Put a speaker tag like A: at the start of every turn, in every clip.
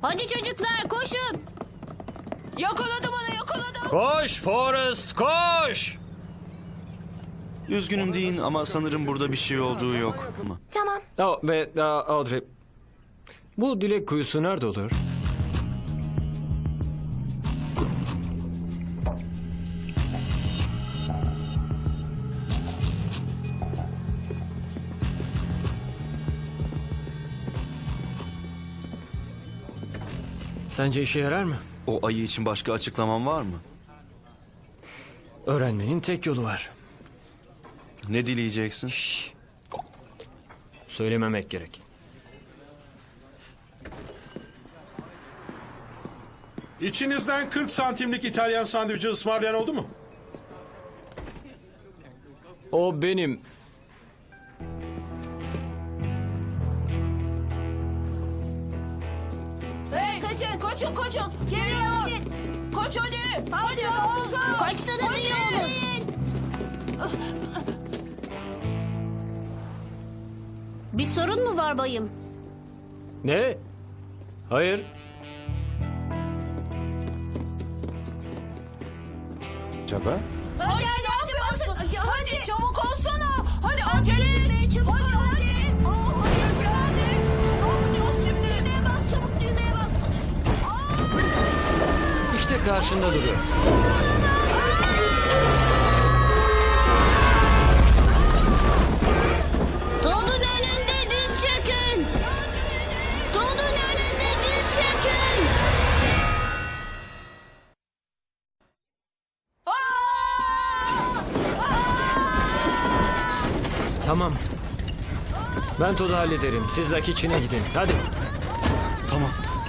A: Hadi çocuklar koşun.
B: Yakaladım onu, yakaladım.
C: Koş Forrest, koş!
D: Üzgünüm deyin ama sanırım burada bir şey olduğu yok.
B: Tamam.
C: Ve Audrey, bu dilek kuyusu nerede olur? Sence işe yarar mı?
D: O ayı için başka açıklaman var mı?
C: Öğrenmenin tek yolu var.
D: Ne dileyeceksin?
C: Söylememek gerek.
E: İçinizden 40 santimlik İtalyan sandviçi ısmarlayan oldu mu?
C: O benim.
B: Hey, koşun, koşun. Geliyor. Koş hadi. Hadi Oğuzhan.
A: Kaçsanız iyi olur. Bir sorun mu var bayım?
C: Ne? Hayır.
F: Acaba?
B: Hadi basın. Hadi çabuk olsana. Hadi acele et. Çabuk hadi. Hayır geldik. Ne yapacağız şimdi? Düğmeye bas, çabuk düğmeye bas.
C: İşte karşında duruyor.
A: Todd'un önünde diz çökün. Todd'un önünde diz çökün.
C: Tamam. Ben Todd'u hallederim. Siz Lucky içine gidin. Hadi.
D: Tamam.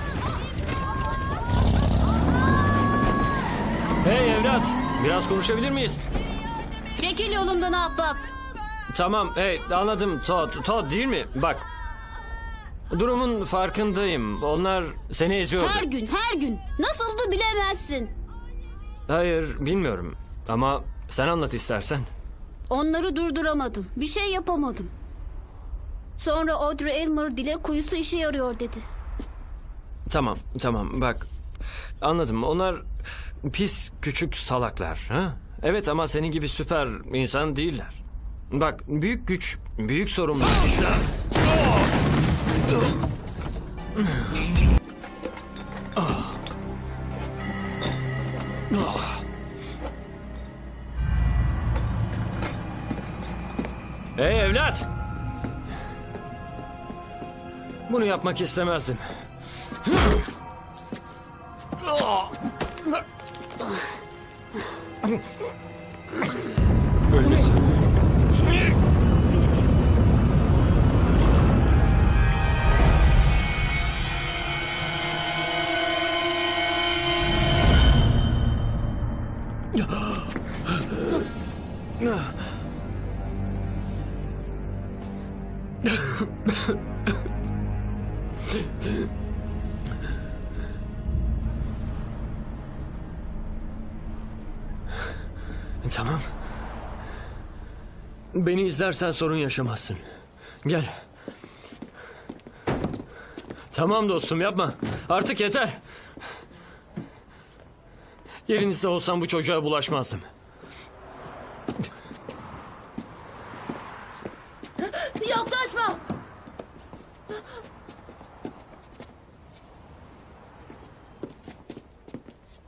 C: Hey evlat. Biraz konuşabilir miyiz?
A: Çekil yolumdan ahbap.
C: Tamam. Hey anladım. Todd değil mi? Bak. Durumun farkındayım. Onlar seni eziyordu.
A: Her gün. Nasıldı bilemezsin.
C: Hayır bilmiyorum. Ama sen anlat istersen.
A: Onları durduramadım. Bir şey yapamadım. Sonra Audrey Elmer dilek kuyusu işe yarıyor dedi.
C: Tamam bak. Anladım. Onlar pis küçük salaklar. Ha? Evet ama senin gibi süper insan değiller. Bak büyük güç, büyük sorumluluk. Hey evlat! Bunu yapmak istemezdim.
F: Ölmesin.
C: Tamam. Beni izlersen sorun yaşamazsın. Gel. Tamam dostum yapma. Artık yeter. Yerinizde olsam bu çocuğa bulaşmazdım.